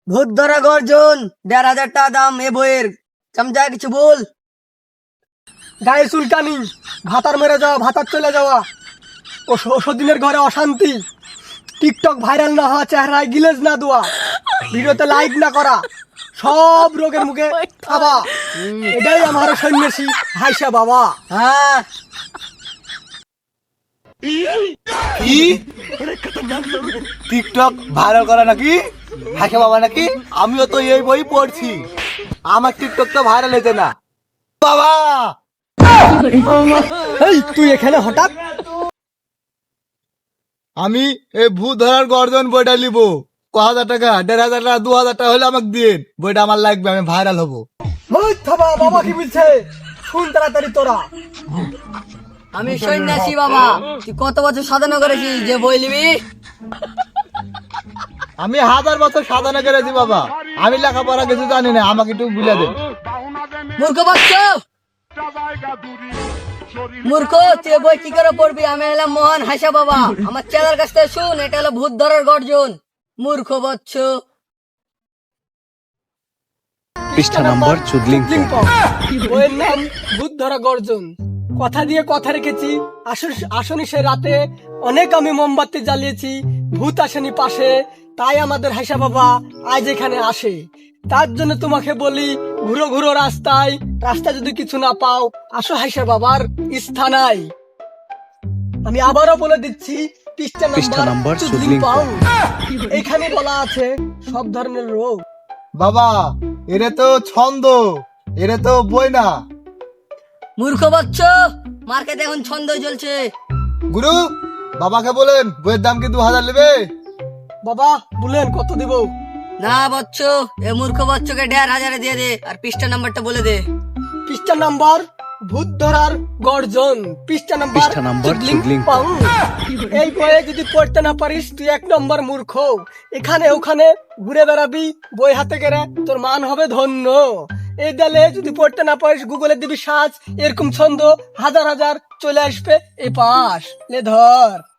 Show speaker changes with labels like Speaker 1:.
Speaker 1: ভূত ধরা গর্জন ১,৫০০ টাকা দাম এ বইয়ের। চামচা কিছু বল।
Speaker 2: গায়ে চুলকানি, ভাতার মেরে যাওয়া, ভাতার চলে যাওয়া, ওষুধের ঘরে অশান্তি, টিকটক ভাইরাল না হওয়া, চেহারায় গিলেজ না দেওয়া, ভিডিওতে লাইক না করা, সব রোগের মুখে খাবা। এটাই আমার সন্ন্যাসী হাইসা বাবা।
Speaker 1: হ্যাঁ,
Speaker 3: কি টিকটক ভাইরাল করা নাকি? হাসা বাবা নাকি? আমিও তো এই বই পড়ছি, আমার টিকটক তো ভাইরাল হয়েছে না বাবা।
Speaker 2: এই তুই এখানে হঠাৎ?
Speaker 3: আমি এই ভূত ধরার গর্জন বইটা নিবো। ১,০০০ টাকা, ১,৫০০ টাকা, ২,০০০ টাকা হলে আমাকে দিন, বইটা আমার লাগবে, আমি ভাইরাল হবো।
Speaker 2: ওই থাবা, বাবা কি বলছে শুন তাড়াতাড়ি তোরা।
Speaker 1: আমি সন্ন্যাসী বাবা। তুই কত বছর সাধনা করেছিস যে বই নিবি?
Speaker 3: আমি ১,০০০ বছর সাধনা করেছি বাবা, আমি লেখাপড়া কিছু জানি না, আমাকে একটু বুঝে দেন।
Speaker 1: মূর্খ বাচ্চ, মূর্খ, তুই এ বই কি করে পড়বি? আমি হলাম মহান হাসা বাবা। আমার চেলার কাছ থেকে শুন, এটা হলো ভূত ধরার গর্জন। মূর্খ বচ্চ।
Speaker 4: পৃষ্ঠা নম্বর চুদলিং
Speaker 2: লিঙ্কন। বইয়ের নাম ভূত ধরা গর্জন। কথা দিয়ে কথা রেখেছি, আসনি সে রাতে অনেক আমি মোমবাতি জ্বালিয়েছি, ভূত আসেনি পাশে, তাই আমাদের হাসা বাবা আজ এখানে আসে। তার জন্য তোমাকে বলি, ঘুরো ঘুরো রাস্তায় যদি কিছু না পাও, আসো হাসা বাবার স্থানায়। আমি আবারও বলে দিচ্ছি, পৃষ্ঠা নাম্বার চুদলিং পাও। এখানে বলা আছে সব ধরনের রোগ।
Speaker 3: বাবা এরে তো ছন্দ, এরে তো বই না।
Speaker 1: মূর্খ বচ্চ, মার্কেটে এখন ছন্দ চলছে।
Speaker 3: গুরু, বাবাকে বলেন বইয়ের দাম কি ২,০০০ নেবে?
Speaker 2: বাবা বলেন কত দিব?
Speaker 1: না বচ্চ, এ মূর্খ বচ্চকে ১,৫০০ দিয়ে দে, আর পৃষ্ঠা নাম্বারটা বলে দে।
Speaker 2: পৃষ্ঠা নাম্বার ভূত ধরার গর্জন, পৃষ্ঠা নাম্বার চুদলিং পাং। এই বইয়ে যদি পড়তে না পারিস তুই ১ নম্বর মূর্খ। এখানে ওখানে ঘুরে বেড়াবি বই হাতে গেলে, তোর মান হবে ধন্য। এই দেলে যদি পড়তে না পারিস, গুগলে দিবি সার্চ, এরকম ছন্দ হাজার হাজার চলে আসবে। এই পাশ লে ধর।